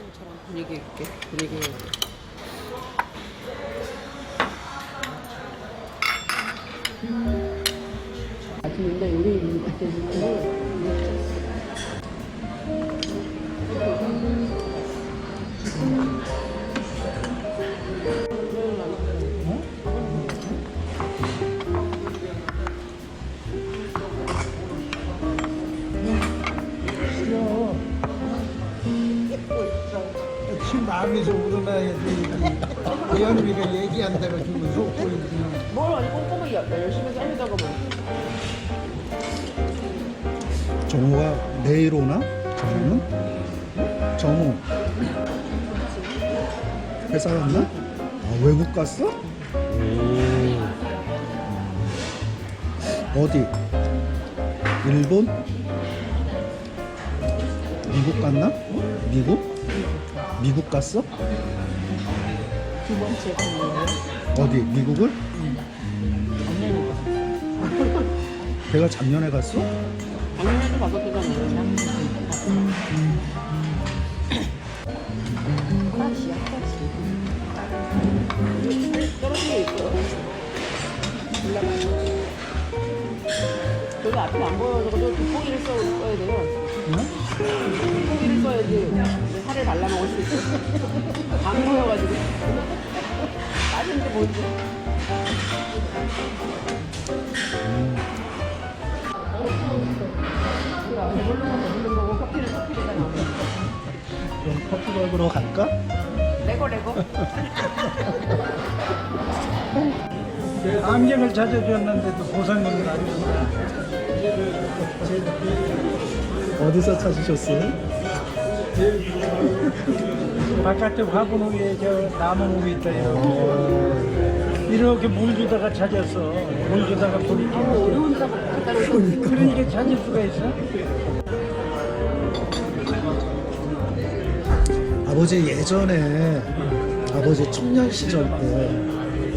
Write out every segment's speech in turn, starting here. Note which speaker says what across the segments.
Speaker 1: 영상처럼 분위기 있게 분위기 있게. 맛있는데 우리 그때 지금
Speaker 2: 지 마음에서 우러나야지. 예언이가 얘기한다고 지금 속고 있구나.
Speaker 1: 뭘 아니 꼼꼼하게 열심히 살리다가 뭐.
Speaker 3: 정우가 내일 오나? 정우는? 정우 회사 갔나? 아, 외국 갔어? 어디? 일본? 미국 갔나? 미국? 미국 갔어?
Speaker 1: 두 번째 분이에요.
Speaker 3: 어디? 미국을? 걔가 작년에 갔어?
Speaker 1: 작년에도 갔었잖아요. 하나씩이야, 하나씩. 떨어진 게 있어. 올라가서. 저기 앞에 안 보여서 돋보기를 써야 돼요. 돋보기를 써야지 살을 발라먹을 수 있어. 안 보여가지고. 빠진데 보이지? 배부른 거고 커피는 커피에다 나오고.
Speaker 3: 그럼 커피 먹으러 갈까?
Speaker 1: 레고.
Speaker 2: 안경을 찾아주었는데도 보상금을 안 준다.
Speaker 3: 어디서 찾으셨어요?
Speaker 2: 바깥에 화분 위에 저 나무 위에 있다. 이렇게 물 주다가 찾았어. 물 주다가 보니까.
Speaker 1: 어려운 거 갖다 놓고.
Speaker 2: 그러니까 찾을 수가 있어?
Speaker 3: 아버지 예전에 아버지 청년 시절 때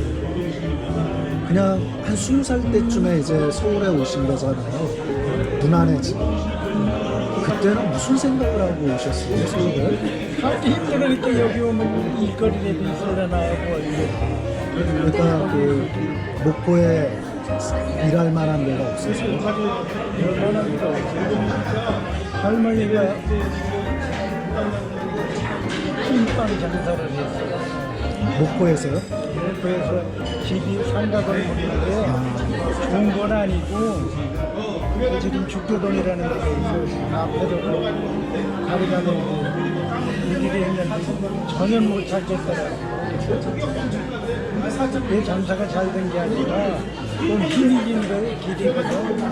Speaker 3: 그냥 한 20살 때쯤에 이제 서울에 오신 거잖아요. 누나네 집. 그때는 무슨 생각을 하고 오셨어요, 서울에?
Speaker 2: 힘들으니까 여기 오면 일거리라도 있으려나 하고
Speaker 3: 그러니까 그 목포에 일할 만한 데가 없어서.
Speaker 2: 얼마나 할머니가 찐빵 장사를 했어요.
Speaker 3: 목포에서요?
Speaker 2: 그래서 집이 상가 건물인데 좋은 건 아니고 지금 죽도동이라는 데가 있어요. 앞에도 다리가 내고 일일이 했는데 전혀 못 찾겠더라고요. 그 장사가 잘 된 게 아니라 좀 희미진 거에 길이거든.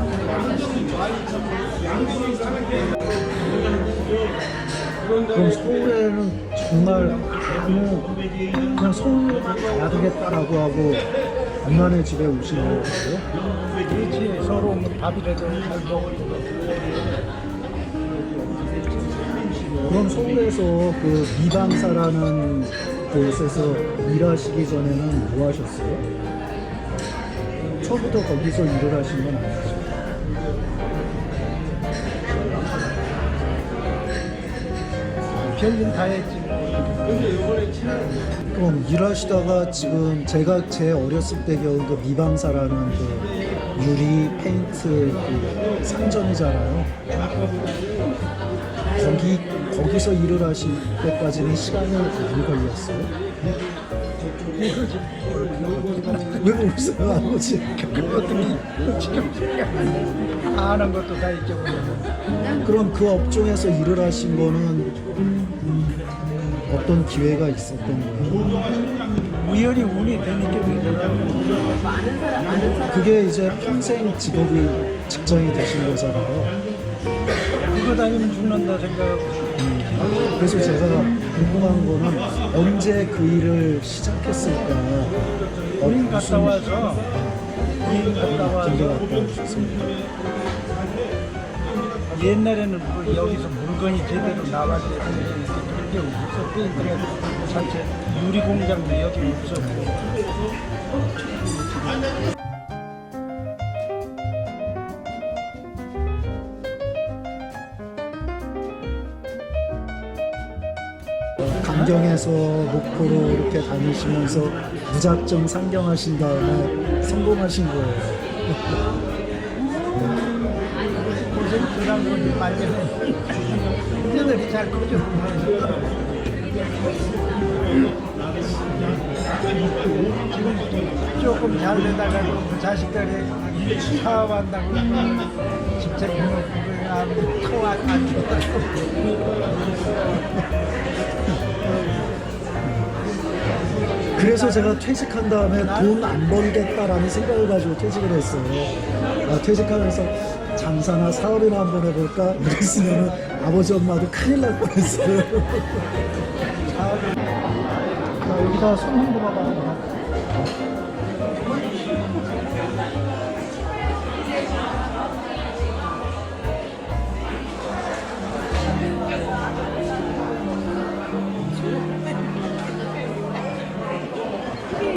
Speaker 3: 그럼 서울에는 정말 그냥 서울 가야 되겠다라고 하고 누나네 집에 오신 거예요?
Speaker 2: 그렇지. 서로 오면 밥이라도 잘 먹고.
Speaker 3: 그럼 서울에서 그 미방사라는 곳에서 일하시기 전에는 뭐 하셨어요? 처음부터 거기서 일을 하신 건 아니죠?
Speaker 2: 별일 다 했지.
Speaker 3: 그럼 일하시다가 지금 제가 제 어렸을 때 겨우 그 미방사라는 그 유리 페인트 그 상점이잖아요. 거기서 일을 하실 때까지는 시간이 많이 걸렸어요? 왜 웃어요, 아버지?
Speaker 2: 아는 것도 다 잊어버리고.
Speaker 3: 그럼 그 업종에서 일을 하신 거는 어떤 기회가 있었던 거예요?
Speaker 2: 우연히 운이 되니까 되더라고.
Speaker 3: 그게 이제 평생 직업이 직장이 되신 거잖아요.
Speaker 2: 그거 다니면 죽는다 생각하고.
Speaker 3: 그래서 제가 궁금한 거는 언제 그 일을 시작했을까?
Speaker 2: 우린 갔다 와서 우린 갔다
Speaker 3: 언제
Speaker 2: 와서
Speaker 3: 갔다 오셨어요?
Speaker 2: 옛날에는 뭐 여기서 물건이 제대로 나와야 되는데 그게 없었고 그래 자체 유리 공장도 여기 없었고.
Speaker 3: 강경에서 목포로 이렇게 다니시면서 무작정 상경하신 다음에 성공하신 거예요.
Speaker 2: 고생 그런 거지 말려면 이제들이 잘 커져. 지금 조금 잘 되다가 그 자식들이 사업한다고 집착 해놓고 터안 좋다고.
Speaker 3: 그래서 제가 퇴직한 다음에 돈 안 벌겠다라는 생각을 가지고 퇴직을 했어요. 퇴직하면서 장사나 사업이나 한번 해볼까? 이랬으면 아버지 엄마도 큰일 날 뻔했어요. 자, 여기다 손 한번 봐봐.